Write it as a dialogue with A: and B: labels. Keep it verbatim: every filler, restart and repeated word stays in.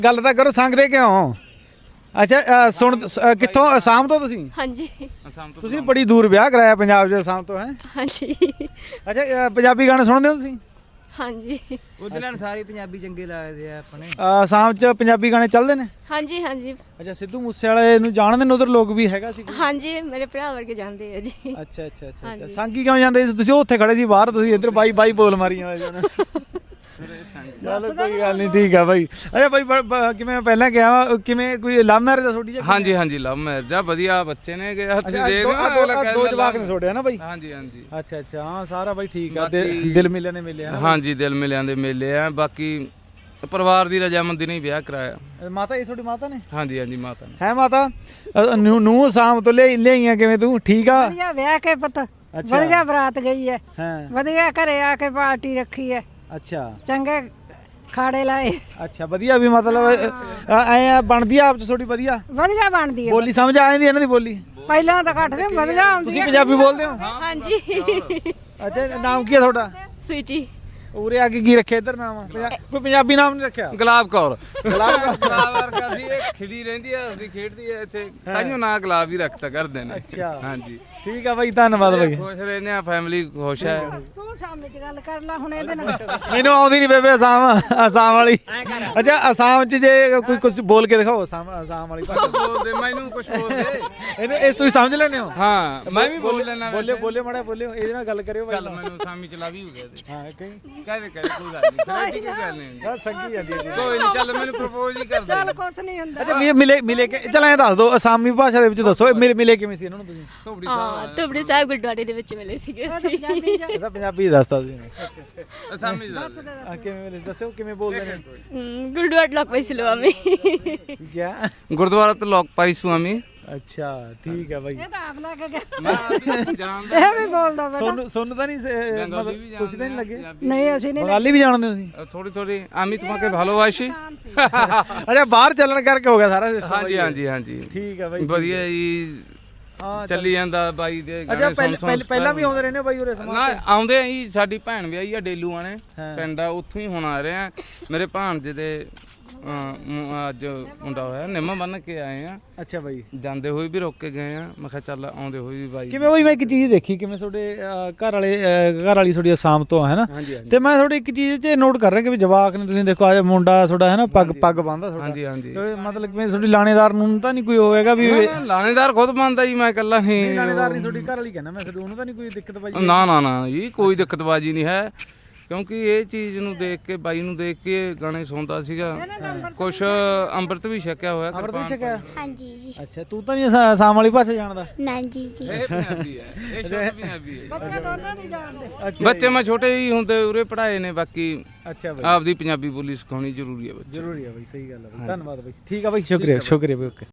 A: ਗੱਲ ਤਾਂ ਕਰੋ ਸੰਗਦੇ ਕਿਉਂ? ਅੱਛਾ ਅ, ਸੁਣ ਅ, ਕਿੱਥੋਂ ਅਸਾਮ ਤੋਂ ਤੁਸੀਂ?
B: ਹਾਂਜੀ
C: ਅਸਾਮ ਤੋਂ
A: ਤੁਸੀਂ ਬੜੀ ਦੂਰ ਵਿਆਹ ਕਰਾਇਆ ਪੰਜਾਬ 'ਚ ਅਸਾਮ ਤੋਂ ਹੈ?
B: ਹਾਂਜੀ
A: ਅੱਛਾ ਅ, ਪੰਜਾਬੀ ਗਾਣੇ ਸੁਣਦੇ ਹੋ ਤੁਸੀਂ?
B: ਹਾਂਜੀ
C: ਉਹਦੇ ਨਾਲ ਸਾਰੇ ਪੰਜਾਬੀ ਚੰਗੇ ਲੱਗਦੇ ਆ ਆਪਣੇ।
A: ਅ, ਅਸਾਮ 'ਚ ਪੰਜਾਬੀ ਗਾਣੇ ਚੱਲਦੇ ਨੇ?
B: ਹਾਂਜੀ ਹਾਂਜੀ
A: ਅੱਛਾ ਸਿੱਧੂ ਮੂਸੇ ਵਾਲੇ ਨੂੰ ਜਾਣਦੇ ਨੇ ਉਧਰ ਲੋਕ ਵੀ ਹੈਗਾ ਸੀ ਕੋਈ?
B: ਹਾਂਜੀ ਮੇਰੇ ਭਰਾ ਵਰਗੇ ਜਾਂਦੇ ਆ ਜੀ।
A: ਅੱਛਾ ਅੱਛਾ ਅੱਛਾ ਅੱਛਾ
B: ਹਾਂਜੀ।
A: ਸੰਗੀ ਕਿਉਂ ਜਾਂਦੇ ਸੀ ਤੁਸੀਂ? ਉੱਥੇ ਖੜੇ ਸੀ ਬਾਹਰ, ਤੁਸੀਂ ਇੱਧਰ ਬਾਈ ਬਾਈ ਬੋਲ ਮਾਰੀਆਂ ਹੋਏ ਸੀ ਚਲੋ ਕੋਈ ਗੱਲ ਨਹੀਂ, ਠੀਕ ਆ ਬਾਈ। ਅੱਛਾ ਬਾਈ ਬ- ਬ- ਕਿਵੇਂ ਪਹਿਲਾਂ ਕਿਹਾ ਕਿਵੇਂ ਕੋਈ ਲਵ ਮੈਰਿਜ ਆ ਤੁਹਾਡੀ?
C: ਹਾਂਜੀ ਹਾਂਜੀ ਲਵ ਮੈਰਿਜ ਆ, ਵਧੀਆ ਬੱਚੇ ਨੇ ਕਿ ਹੱਥ
A: ਅੱਛਾ
C: ਦੇਖ
A: ਦੋ- ਆਹ ਦੋ ਆਹ ਦੋ ਜਵਾਕ ਨੇ ਤੁਹਾਡੇ ਹਨਾ ਬਾਈ?
C: ਹਾਂਜੀ ਹਾਂਜੀ
A: ਅੱਛਾ ਅੱਛਾ ਹਾਂ ਸਾਰਾ ਬਾਈ ਠੀਕ ਆ। ਦਿਲ
C: ਬਾਕੀ-
A: ਦਿਲ ਮਿਲਿਆ ਨੇ ਮਿਲਿਆ
C: ਹਾਂਜੀ ਦਿਲ ਮਿਲਿਆਂ ਦੇ ਮੇਲੇ ਆ। ਬਾਕੀ ਪਰਿਵਾਰ ਦੀ ਰਜਾਮੰਦੀ ਨਹੀਂ ਵਿਆਹ ਕਰਾਇਆ।
A: ਮਾਤਾ ਇਹ ਤੁਹਾਡੀ ਮਾਤਾ ਨੇ?
C: ਹਾਂਜੀ ਹਾਂਜੀ ਮਾਤਾ ਨੇ।
A: ਹੈ ਮਾਤਾ ਨੂੰ ਨੂੰ ਅਸਾਮ ਤੋਂ ਲੈ ਲਿਆਈਆਂ ਕਿਵੇਂ ਤੂੰ? ਠੀਕ ਆ
D: ਵਧੀਆ ਵਿਆਹ ਕੇ ਪੁੱਤ,
A: ਅੱਛਾ।
D: ਵਧੀਆ ਬਰਾਤ ਗਈ ਹੈ,
A: ਹਾਂ
D: ਵਧੀਆ ਘਰੇ ਆ ਕੇ ਪਾਰਟੀ ਰੱਖੀ ਹੈ,
A: ਅੱਛਾ
D: ਚੰਗੇ ਖਾੜੇ ਲਾਏ,
A: ਅੱਛਾ ਵਧੀਆ ਵੀ ਮਤਲਬ ਐ ਆ ਬਣਦੀ ਆ ਆਪ ਚ ਤੁਹਾਡੀ ਵਧੀਆ
D: ਵਧੀਆ ਬਣਦੀ ਹੈ।
A: ਬੋਲੀ ਸਮਝ ਆ ਜਾਂਦੀ ਇਹਨਾਂ ਦੀ ਬੋਲੀ?
D: ਪਹਿਲਾਂ ਤਾਂ ਘੱਟ ਸੀ, ਵਧੀਆ ਆਉਂਦੀ
A: ਤੁਸੀਂ
D: ਹੈ।
A: ਪੰਜਾਬੀ ਬੋਲਦੇ ਹੋ?
B: ਹਾਂਜੀ
A: ਅੱਛਾ ਨਾਮ ਕੀ ਹੈ ਤੁਹਾਡਾ?
B: ਸਵੀਟੀ
A: ਉਰੇ ਆ ਕੇ ਕੀ ਰੱਖਿਆ ਇੱਧਰ ਨਾਮ? ਪੰਜਾ- ਕੋਈ ਪੰਜਾਬੀ ਨਾਮ ਨਹੀਂ ਰੱਖਿਆ?
C: ਗੁਲਾਬ ਕੌਰ।
A: ਗੁਲਾਬ ਕੌਰ।
C: ਗੁਲਾਬ ਵਰਗਾ ਸੀ, ਇਹ ਖਿੜੀ ਰਹਿੰਦੀ ਆ, ਅਸੀਂ ਖੇਡਦੀ ਆ ਇੱਥੇ, ਤਾਈਓ ਨਾਂ ਗੁਲਾਬ ਹੀ ਰੱਖਤਾ ਕਰਦੇ ਨੇ।
A: ਅੱਛਾ
C: ਹਾਂਜੀ
A: ਠੀਕ ਆ ਬਾਈ, ਧੰਨਵਾਦ ਬਾਈ।
C: ਖੁਸ਼ ਰਹਿੰਦੇ ਆ, ਫੈਮਿਲੀ ਖੁਸ਼ ਹੈ।
D: ਤੂੰ ਸਾਹਮਣੇ ਚ ਗੱਲ ਕਰ ਲੈ ਹੁਣ ਇਹਦੇ ਨਾਲ।
A: ਮੈਨੂੰ ਆਉਂਦੀ ਨਹੀਂ ਬੇਬੇ ਅਸਾਮ ਅਸਾਮ ਵਾਲੀ। ਅੱਛਾ ਅਸਾਮ ਚ ਜੇ ਕੋਈ ਕੁਝ ਬੋਲ ਕੇ ਦਿਖਾਓ ਅਸਾਮ ਅਸਾਮ ਵਾਲੀ ਭਾਸ਼ਾ।
C: ਬੋਲਦੇ ਮੈਨੂੰ ਕੁਝ ਬੋਲਦੇ।
A: ਇਹਨੂੰ ਇਹ ਤੁਸੀਂ ਸਮਝ ਲੈਂਦੇ ਹੋ?
C: ਹਾਂ ਮੈਂ ਵੀ ਬੋਲ ਲੈਣਾ।
A: ਬੋਲਿਓ ਬੋਲਿਓ ਮਾੜਾ ਬੋਲਿਓ, ਇਹਦੇ ਨਾਲ ਗੱਲ ਕਰਿਓ ਬਾਈ।
C: ਚੱਲ ਮੈਨੂੰ ਸਾਮੀ ਚਲਾ ਵੀ ਹੋ ਗਿਆ ਤੇ
A: ਹਾਂ ਕਹੀਂ
C: ਕਹਦੇ ਕਹਦੇ ਕੋਈ ਗੱਲ ਨਹੀਂ, ਫਿਰ ਕੀ ਗੱਲ ਨਹੀਂ।
A: ਆ ਸੰਗੀ ਜਾਂਦੀ ਹੈ।
C: ਕੋਈ ਨਹੀਂ, ਚੱਲ ਮੈਨੂੰ ਪ੍ਰਪੋਜ਼ ਹੀ ਕਰ ਦੇ।
D: ਚੱਲ ਕੁਛ ਨਹੀਂ ਹੁੰਦਾ।
A: ਅੱਛਾ ਮਿਲੇ- ਮਿਲੇ ਮਿਲੇ ਕੇ ਚੱਲ ਐਂ ਦੱਸ ਦਿਓ ਅਸਾਮੀ ਭਾਸ਼ਾ ਦੇ ਵਿੱਚ ਦੱਸੋ ਮਿਲੇ ਮਿਲੇ ਕਿਵੇਂ ਸੀ ਇਹਨਾਂ ਨੂੰ ਤੁਸੀਂ?
C: ਧੋਬੜੀ
B: ਹਾਂ
C: ਸਾਹਿਬ
B: ਟੁਬੜੀ ਸਾਹਿਬ ਗੁਰਦੁਆਰੇ ਦੇ ਵਿੱਚ ਮਿਲੇ ਸੀਗੇ ਅਸੀਂ।
A: ਇਹਦਾ ਪੰਜਾਬੀ ਦੱਸਤਾ ਤੁਸੀਂ
C: ਅਸਾਮੀ ਦਾ
A: ਆ ਕਿਵੇਂ ਮਿਲੇ ਦੱਸੋ ਕਿਵੇਂ ਬੋਲਦੇ ਨੇ?
B: ਹਮ, ਗੁਰਦੁਆਰਾ ਲੋਕ ਪੈਸੇ ਲੋ ਆਮੀ
A: ਕਿਆ?
C: ਗੁਰਦੁਆਰਾ ਤੇ ਲੋਕ ਪਾਈ ਸੁਆਮੀ।
A: ਅੱਛਾ ਠੀਕ ਹੈ ਬਾਈ।
D: ਇਹ ਤਾਂ ਆਪ ਲੈ ਕੇ ਗਿਆ,
C: ਮੈਂ ਆਪ ਜਾਣਦਾ।
D: ਇਹ ਵੀ ਬੋਲਦਾ ਬੇਟਾ।
A: ਸੋਨੂੰ ਸੋਨੂੰ ਤਾਂ ਨਹੀਂ ਸ-
C: ਬੰਗਾਲੀ ਵੀ
A: ਮਤਲਬ ਤੁਸੀਂ ਤਾਂ ਨਹੀਂ ਲੱਗੇ?
D: ਨਹੀਂ ਅਸੀਂ ਨਹੀਂ
A: ਬੰਗਾਲੀ ਵੀ ਜਾਣਦੇ ਹੋ ਤੁਸੀਂ?
C: ਥੋੜੀ ਥੋੜੀ ਆਮੀ তোমাকে ভালোবাসি।
A: ਅੱਛਾ ਬਾਹਰ ਚੱਲਣ ਕਰਕੇ ਹੋ ਗਿਆ ਸਾਰਾ system
C: ਹਾਂਜੀ
A: ਬਾਈ।
C: ਹਾਂਜੀ ਹਾਂਜੀ
A: ਠੀਕ ਹੈ ਬਾਈ।
C: ਵਧੀਆ ਜੀ,
A: ਹਾਂ
C: ਚੱਲੀ ਜਾਂਦਾ ਬਾਈ ਦੇ
A: ਅੱਛਾ
C: ਗਾਣੇ
A: ਪਹਿਲ-
C: ਸੁਣ
A: ਪਹਿਲ-
C: ਸੁਣ।
A: ਪਹਿਲਾਂ ਵੀ ਆਉਂਦੇ ਰਹਿੰਦੇ ਹੋ ਬਾਈ ਉਰੇ ਸਮਾਂ
C: ਨਾ
A: ਤੇ?
C: ਆਉਂਦੇ ਆ ਜੀ, ਸਾਡੀ ਭੈਣ ਵਿਆਹੀ ਆ ਡੇਲੂਆਂ ਨੇ
A: ਹਾਂ।
C: ਪਿੰਡ ਆ, ਉੱਥੋਂ ਹੀ ਹੁਣ ਆ ਰਹੇ ਆ। ਮੇਰੇ ਭਾਣਜੇ ਦੇ ਅਹ, ਮ- ਅੱਜ ਮੁੰਡਾ ਹੋਇਆ, ਨਿੰਮ ਬੰਨ ਕੇ ਆਏ ਆ।
A: ਅੱਛਾ ਬਾਈ
C: ਜਾਂਦੇ ਹੋਏ ਵੀ ਰੋਕ ਕੇ ਗਏ ਆ। ਮੈਂ ਕਿਹਾ ਚੱਲ ਆਉਂਦੇ ਹੋਏ ਵੀ ਬਾਈ।
A: ਕਿਵੇਂ ਬਾਈ ਮੈਂ ਇੱਕ ਚੀਜ਼ ਦੇਖੀ ਕਿਵੇਂ ਤੁਹਾਡੇ ਅਹ, ਘਰ ਵਾਲੇ ਅਹ, ਘਰ ਵਾਲੀ ਤੁਹਾਡੀ ਅਸਾਮ ਤੋਂ ਹੈ ਨਾ?
C: ਹਾਂਜੀ ਹਾਂਜੀ
A: ਤੇ ਮੈਂ ਤੁਹਾਡੀ ਇੱਕ ਚੀਜ਼ 'ਚ ਨੋਟ ਕਰ ਰਿਹਾ ਕਿ ਵੀ ਜਵਾਕ ਨੇ ਤੁਸੀਂ ਦੇਖੋ ਆ ਮੁੰਡਾ ਤੁਹਾਡਾ ਹੈ ਨਾ ਪੱਗ ਪੱਗ ਬੰਨਦਾ ਤੁਹਾਡਾ।
C: ਹਾਂਜੀ ਹਾਂਜੀ।
A: ਤੇ ਮਤਲਬ ਕਿ ਤੁਹਾਡੀ ਲਾਣੇਦਾਰ ਨੂੰ ਤਾਂ ਨਹੀਂ ਕੋਈ ਹੋਵੇਗਾ ਵੀ
C: ਨਾ, ਨਾ, ਲਾਣੇਦਾਰ ਖੁਦ ਮੰਨਦਾ ਜੀ, ਮੈਂ ਇਕੱਲਾ
A: ਨਹੀਂ
C: ਨਹੀਂ।
A: ਲਾਣੇਦਾਰ ਨਹੀਂ ਤੁਹਾਡੀ ਘਰ ਵਾਲੀ ਕਹਿੰਦਾ ਮੈਂ ਤੁਹਾਨੂੰ ਤਾਂ ਨਹੀਂ ਕੋਈ ਦਿੱਕਤ ਬਾਈ?
C: ਨਾ ਨਾ ਨਾ ਜੀ, ਕੋਈ ਦਿੱਕਤਬਾਜੀ ਨਹੀਂ ਹੈ, ਕਿਉਂਕਿ ਇਹ ਚੀਜ਼ ਨੂੰ ਦੇਖ ਕੇ, ਬਾਈ ਨੂੰ ਦੇਖ ਕੇ ਗਾਣੇ ਸੁਣਦਾ ਸੀਗਾ। ਕੁਛ ਅੰਮ੍ਰਿਤ ਵੀ ਛਕਿਆ ਹੋਇਆ।
A: ਅਮਰਤ ਵੀ ਛਕਿਆ?
E: ਹਾਂਜੀ ਜੀ।
A: ਅੱਛਾ ਤੂੰ ਤਾਂ ਨਹੀਂ ਅਸਾ- ਅਸਾਮ ਵਾਲੀ ਭਾਸ਼ਾ ਜਾਣਦਾ?
E: ਨਾ ਜੀ ਜੀ।
C: ਇਹ ਪੰਜਾਬੀ ਹੈ, ਇਹ ਸ਼ੁੱਧ ਪੰਜਾਬੀ ਹੈ।
D: ਬੱਚੇ ਦੋਨੋਂ ਨਹੀਂ ਜਾਣਦੇ।
A: ਅੱਛਾ
C: ਬੱਚੇ ਮੈਂ ਛੋਟੇ ਹੀ ਹੁੰਦੇ ਉਰੇ ਪੜਾਏ ਨੇ, ਬਾਕੀ
A: ਅੱਛਾ ਬਾਈ
C: ਆਪਦੀ ਪੰਜਾਬੀ ਬੋਲੀ ਸਿਖਾਉਣੀ ਜ਼ਰੂਰੀ ਹੈ ਬੱਚੇ ਨੂੰ।
A: ਜ਼ਰੂਰੀ ਹੈ ਬਾਈ, ਸਹੀ ਗੱਲ ਹੈ ਬਾਈ, ਧੰਨਵਾਦ ਬਾਈ। ਠੀਕ ਆ ਬਾਈ, ਸ਼ੁਕਰੀਆ ਸ਼ੁਕਰੀਆ ਬਾਈ, ਓਕੇ।